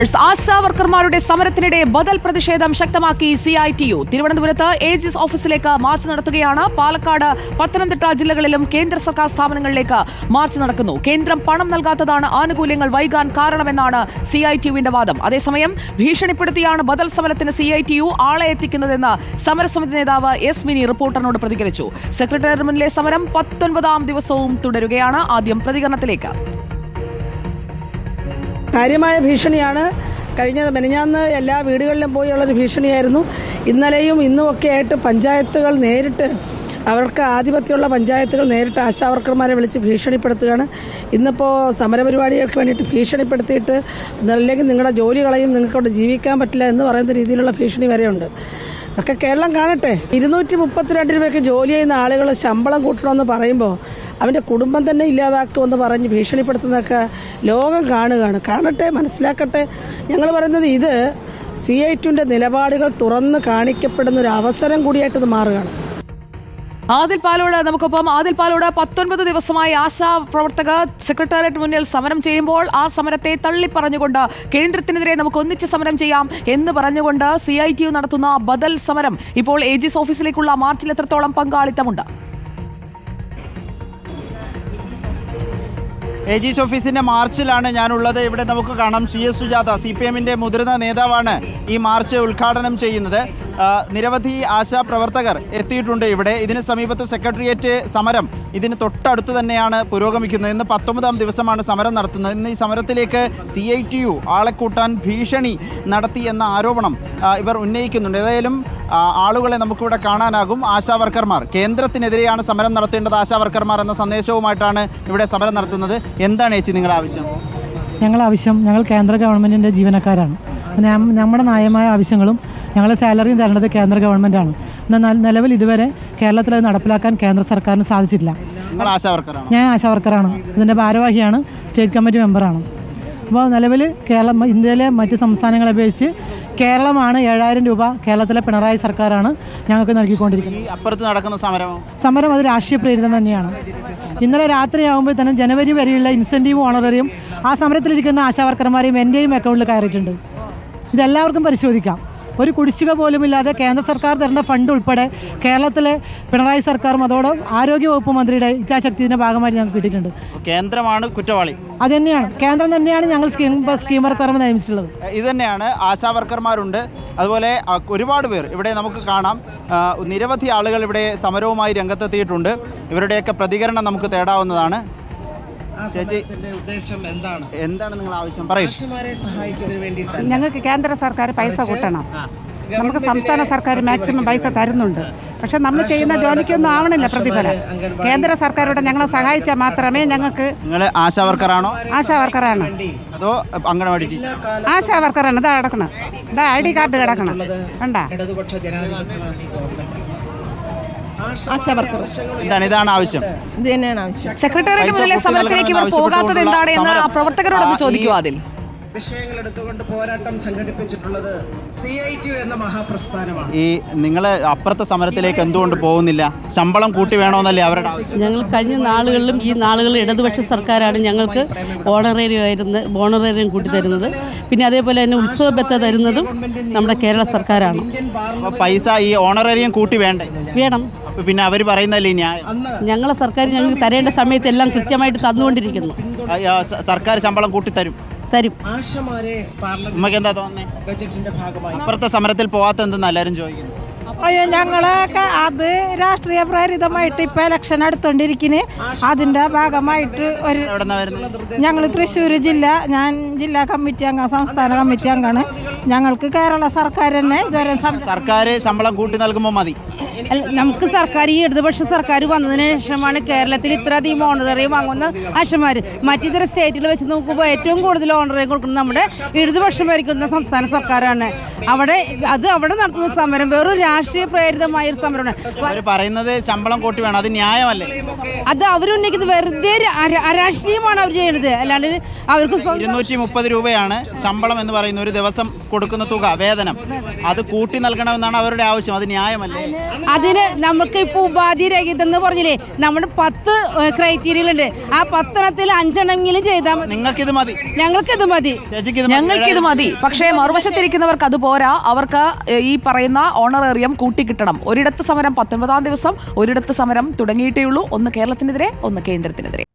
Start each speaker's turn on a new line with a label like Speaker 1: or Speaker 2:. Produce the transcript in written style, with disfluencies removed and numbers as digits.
Speaker 1: ആശാവർക്കർമാരുടെ സമരത്തിനിടെ ബദൽ പ്രതിഷേധം ശക്തമാക്കി CITU. തിരുവനന്തപുരത്ത് ഏജിസ് ഓഫീസിലേക്ക് മാർച്ച് നടത്തുകയാണ്. പാലക്കാട്, പത്തനംതിട്ട ജില്ലകളിലും കേന്ദ്ര സർക്കാർ സ്ഥാപനങ്ങളിലേക്ക് മാർച്ച് നടക്കുന്നു. കേന്ദ്രം പണം നൽകാത്തതാണ് ആനുകൂല്യങ്ങൾ വൈകാൻ കാരണമെന്നാണ് CITUവിന്റെ വാദം. അതേസമയം ഭീഷണിപ്പെടുത്തിയാണ് ബദൽ സമരത്തിന് CITU ആളെ എത്തിക്കുന്നതെന്ന് സമരസമിതി നേതാവ് എസ് മിനി റിപ്പോർട്ടറിനോട് പ്രതികരിച്ചു. സെക്രട്ടേറിയറ്റിന് മുന്നിലെ സമരം 19ാം ദിവസവും തുടരുകയാണ്. ആദ്യം പ്രതികരണത്തിലേക്ക്.
Speaker 2: കാര്യമായ ഭീഷണിയാണ്. മെനഞ്ഞാന്ന് എല്ലാ വീടുകളിലും പോയുള്ളൊരു ഭീഷണിയായിരുന്നു. ഇന്നലെയും ഇന്നുമൊക്കെ ആയിട്ട് പഞ്ചായത്തുകൾ നേരിട്ട്, അവർക്ക് ആധിപത്യമുള്ള പഞ്ചായത്തുകൾ നേരിട്ട് ആശാവർക്കർമാരെ വിളിച്ച് ഭീഷണിപ്പെടുത്തുകയാണ്. ഇന്നിപ്പോൾ സമരപരിപാടികൾക്ക് വേണ്ടിയിട്ട് ഭീഷണിപ്പെടുത്തിയിട്ട് അല്ലെങ്കിൽ നിങ്ങളുടെ ജോലി കളയും, നിങ്ങൾക്കവിടെ ജീവിക്കാൻ പറ്റില്ല എന്ന് പറയുന്ന രീതിയിലുള്ള ഭീഷണി വരെയുണ്ട്. ഒക്കെ കേരളം കാണട്ടെ. 232 രൂപയ്ക്ക് ജോലി ചെയ്യുന്ന ആളുകൾ ശമ്പളം കൂട്ടണമെന്ന് പറയുമ്പോൾ അവൻ്റെ കുടുംബം തന്നെ ഇല്ലാതാക്കുമെന്ന് പറഞ്ഞ് ഭീഷണിപ്പെടുത്തുന്നതൊക്കെ ലോകം കാണട്ടെ, മനസ്സിലാക്കട്ടെ. ഞങ്ങൾ പറയുന്നത് ഇത് CITUവിൻ്റെ നിലപാടുകൾ തുറന്ന് കാണിക്കപ്പെടുന്ന ഒരു അവസരം കൂടിയായിട്ട് ഇത് മാറുകയാണ്.
Speaker 1: ആദിൽ പാലോട് നമുക്കൊപ്പം. ആദിൽ പാലോട്, 19 ദിവസമായി ആശാ പ്രവർത്തകർ സെക്രട്ടേറിയറ്റ് മുന്നിൽ സമരം ചെയ്യുമ്പോൾ ആ സമരത്തെ തള്ളിപ്പറഞ്ഞുകൊണ്ട് കേന്ദ്രത്തിനെതിരെ നമുക്ക് ഒന്നിച്ച് സമരം ചെയ്യാം എന്ന് പറഞ്ഞുകൊണ്ട് CITU നടത്തുന്ന ബദൽ സമരം ഇപ്പോൾ ഏജിസ് ഓഫീസിലേക്കുള്ള മാർച്ചിൽ എത്രത്തോളം പങ്കാളിത്തമുണ്ട്?
Speaker 3: ഏജീസ് ഓഫീസിന്റെ മാർച്ചിലാണ് ഞാനുള്ളത്. ഇവിടെ നമുക്ക് കാണാം CS സുജാത, CPMന്റെ മുതിർന്ന നേതാവാണ് ഈ മാർച്ച് ഉദ്ഘാടനം ചെയ്യുന്നത്. നിരവധി ആശാപ്രവർത്തകർ എത്തിയിട്ടുണ്ട് ഇവിടെ. ഇതിന് സമീപത്ത് സെക്രട്ടേറിയറ്റ് സമരം ഇതിന് തൊട്ടടുത്ത് തന്നെയാണ് പുരോഗമിക്കുന്നത്. ഇന്ന് 19ാം ദിവസമാണ് സമരം നടത്തുന്നത്. ഇന്ന് ഈ സമരത്തിലേക്ക് CITU ആളെ കൂട്ടാൻ ഭീഷണി നടത്തി എന്ന ആരോപണം ഇവർ ഉന്നയിക്കുന്നുണ്ട്. ഏതായാലും ആളുകളെ നമുക്കിവിടെ കാണാനാകും. ആശാവർക്കർമാർ കേന്ദ്രത്തിനെതിരെയാണ് സമരം നടത്തേണ്ടത്, ആശാവർക്കർമാർ എന്ന സന്ദേശവുമായിട്ടാണ് ഇവിടെ സമരം നടത്തുന്നത്. എന്താണ് ചേച്ചി നിങ്ങളുടെ ആവശ്യം?
Speaker 4: ഞങ്ങൾ കേന്ദ്ര ഗവൺമെൻറ്റിൻ്റെ ജീവനക്കാരാണ്. നമ്മുടെ ന്യായമായ ആവശ്യങ്ങളും ഞങ്ങൾ സാലറിയും തരേണ്ടത് കേന്ദ്ര ഗവൺമെൻറ്റാണ്. എന്നാൽ നിലവിൽ ഇതുവരെ കേരളത്തിൽ അത് നടപ്പിലാക്കാൻ കേന്ദ്ര സർക്കാരിന് സാധിച്ചിട്ടില്ല. ഞാൻ ആശാവർക്കറാണ്, ഇതിൻ്റെ ഭാരവാഹിയാണ്, സ്റ്റേറ്റ് കമ്മിറ്റി മെമ്പറാണ്. അപ്പോൾ നിലവിൽ ഇന്ത്യയിലെ മറ്റ് സംസ്ഥാനങ്ങളെ അപേക്ഷിച്ച് കേരളമാണ് 7000 രൂപ കേരളത്തിലെ പിണറായി സർക്കാരാണ് ഞങ്ങൾക്ക് നൽകിക്കൊണ്ടിരിക്കുന്നത്.
Speaker 3: അപ്പുറത്ത് നടക്കുന്ന
Speaker 4: സമരം അത് രാഷ്ട്രീയ പ്രേരിതം തന്നെയാണ്. ഇന്നലെ രാത്രിയാകുമ്പോൾ തന്നെ ജനുവരി വരെയുള്ള ഇൻസെൻറ്റീവ് ഓണററിയും ആ സമരത്തിലിരിക്കുന്ന ആശാവർക്കർമാരെയും എൻ്റെയും അക്കൗണ്ടിൽ കയറിയിട്ടുണ്ട്. ഇതെല്ലാവർക്കും പരിശോധിക്കാം. ഒരു കുടിശ്ശിക പോലുമില്ലാതെ കേന്ദ്ര സർക്കാർ തരേണ്ട ഫണ്ട് ഉൾപ്പെടെ കേരളത്തിലെ പിണറായി സർക്കാരും അതോടെ ആരോഗ്യവകുപ്പ് മന്ത്രിയുടെ ഇച്ഛാശക്തിയുടെ ഭാഗമായി ഞങ്ങൾക്ക് കിട്ടിയിട്ടുണ്ട്.
Speaker 3: കേന്ദ്രമാണ് കുറ്റവാളി.
Speaker 4: അത് തന്നെയാണ്, കേന്ദ്രം തന്നെയാണ് ഞങ്ങൾ സ്കീമർക്കാർ നിയമിച്ചിട്ടുള്ളത്.
Speaker 3: ഇത് തന്നെയാണ്. ആശാവർക്കർമാരുണ്ട്, അതുപോലെ ഒരുപാട് പേർ ഇവിടെ നമുക്ക് കാണാം. നിരവധി ആളുകൾ ഇവിടെ സമരവുമായി രംഗത്തെത്തിയിട്ടുണ്ട്. ഇവരുടെയൊക്കെ പ്രതികരണം നമുക്ക് തേടാവുന്നതാണ്. ചേച്ചി, എന്താണ് നിങ്ങൾ ആവശ്യം? പറയും.
Speaker 5: ഞങ്ങൾക്ക് കേന്ദ്ര സർക്കാർ പൈസ കൂട്ടണം. നമുക്ക് സംസ്ഥാന സർക്കാർ മാക്സിമം പൈസ തരുന്നുണ്ട്. പക്ഷെ നമ്മൾ ചെയ്യുന്ന ജോലിക്കൊന്നും ആവണില്ല പ്രതിഫലം. കേന്ദ്ര സർക്കാരോട് ഞങ്ങളെ സഹായിച്ചാൽ മാത്രമേ ഞങ്ങൾക്ക്.
Speaker 3: നിങ്ങൾ ആശാവർക്കറാണോ?
Speaker 5: ആശാവർക്കറാണ്.
Speaker 3: അതോ അംഗനവാടി ടീച്ചർ?
Speaker 5: ആശാവർക്കറാണ്. ഇതാ കിടക്കണം, ഇതാ ID കാർഡ് കിടക്കണം. കണ്ടാ?
Speaker 3: ഇതാണ് ആവശ്യം.
Speaker 1: സെക്രട്ടേറിയറ്റ് മുന്നിലെ സമരത്തിലേക്ക് ഇവർ പോകാത്തത് എന്താണ് എന്ന് പ്രവർത്തകരോടൊന്ന് ചോദിക്കുക. അതിൽ
Speaker 6: വിഷയങ്ങൾ എടുത്തുകൊണ്ട് പോരാട്ടം സംഘടിപ്പിച്ചിട്ടുള്ളത് CITU എന്ന മഹാപ്രസ്ഥാനമാണ്.
Speaker 3: ഈ നിങ്ങൾ അപ്പുറത്തെ സമരത്തിലേക്ക് എന്തുകൊണ്ട് പോകുന്നില്ല? ശമ്പളം കൂട്ടി വേണമെന്നല്ലേ അവരുടെ ആവശ്യം?
Speaker 7: ഞങ്ങൾ കഴിഞ്ഞ നാളുകളിലും ഈ നാളുകളിൽ ഇടതുപക്ഷ സർക്കാരാണ് ഞങ്ങൾക്ക് ഓണറേറിയം കൂട്ടി തരുന്നത്. പിന്നെ അതേപോലെ തന്നെ ഉത്സവ ബത്ത തരുന്നതും നമ്മുടെ കേരള സർക്കാരാണ്.
Speaker 3: പൈസ ഈ ഓണറേറിയം കൂട്ടി വേണം. പിന്നെ അവർ പറയുന്നല്ലേ ന്യായം?
Speaker 7: ഞങ്ങളെ സർക്കാർ ഞങ്ങൾക്ക് തരേണ്ട സമയത്ത് എല്ലാം കൃത്യമായിട്ട് തന്നുകൊണ്ടിരിക്കുന്നു.
Speaker 3: സർക്കാർ ശമ്പളം കൂട്ടി തരും. നമുക്ക് എന്താ തോന്നുന്നത്? അപ്പുറത്തെ സമരത്തിൽ പോവാത്ത എന്തെന്ന് എല്ലാവരും ചോദിക്കുന്നു.
Speaker 5: അയ്യോ, ഞങ്ങളൊക്കെ അത് രാഷ്ട്രീയ പ്രേരിതമായിട്ട് ഇപ്പൊ ഇലക്ഷൻ എടുത്തോണ്ടിരിക്കുന്നു. അതിന്റെ ഭാഗമായിട്ട് ഞങ്ങൾ തൃശ്ശൂർ ജില്ല, ഞാൻ ജില്ലാ കമ്മിറ്റി അംഗം, സംസ്ഥാന കമ്മിറ്റി അംഗമാണ്. ഞങ്ങൾക്ക് കേരള സർക്കാർ തന്നെ ഇതുവരെ
Speaker 3: സർക്കാർ ശമ്പളം കൂട്ടി നൽകുമ്പോൾ മതി.
Speaker 8: നമുക്ക് സർക്കാർ ഈ ഇടതുപക്ഷ സർക്കാർ വന്നതിന് ശേഷമാണ് കേരളത്തിൽ ഇത്രയധികം ഓണറേറിയം വാങ്ങുന്ന ആശമാർ. മറ്റിതര സ്റ്റേറ്റുകൾ വെച്ച് നോക്കുമ്പോൾ ഏറ്റവും കൂടുതൽ ഓണറേറിയം കൊടുക്കുന്നത് നമ്മുടെ ഇടതുപക്ഷം ഭരിക്കുന്ന സംസ്ഥാന സർക്കാരാണ്. അവിടെ നടത്തുന്ന സമരം വെറും രാഷ്ട്രീയ പ്രേരിതമായ ഒരു സമരമാണ്.
Speaker 3: പറയുന്നത് ശമ്പളം കൂട്ടി വേണം, അത് ന്യായമല്ലേ?
Speaker 8: അത് അവരുന്നയിക്കുന്നത് വെറുതെ അരാഷ്ട്രീയമാണ് അവർ ചെയ്യുന്നത്. അല്ലാണ്ട് അവർക്ക്
Speaker 3: 230 രൂപയാണ് ശമ്പളം എന്ന് പറയുന്ന ഒരു ദിവസം കൊടുക്കുന്ന തുക, വേതനം. അത് കൂട്ടി നൽകണമെന്നാണ് അവരുടെ ആവശ്യം. അത് ന്യായമല്ലേ?
Speaker 8: അതിന് നമുക്ക് ഇപ്പോൾ ഉപാധി രഹിതം എന്ന് പറഞ്ഞില്ലേ, നമ്മുടെ 10 ക്രൈറ്റീരിയകളുണ്ട്. ആ 10 5 ചെയ്താൽ മതി.
Speaker 3: നിങ്ങൾക്കിത് മതി,
Speaker 8: ഞങ്ങൾക്കിത് മതി,
Speaker 1: ഞങ്ങൾക്കിത് മതി. പക്ഷേ മറുവശത്തിരിക്കുന്നവർക്ക് അത് പോരാ. അവർക്ക് ഈ പറയുന്ന ഓണറേറിയം കൂട്ടിക്കിട്ടണം. ഒരിടത്ത് സമരം 19-ാം ദിവസം, ഒരിടത്ത് സമരം തുടങ്ങിയിട്ടേ ഉള്ളൂ. ഒന്ന് കേരളത്തിനെതിരെ, ഒന്ന് കേന്ദ്രത്തിനെതിരെ.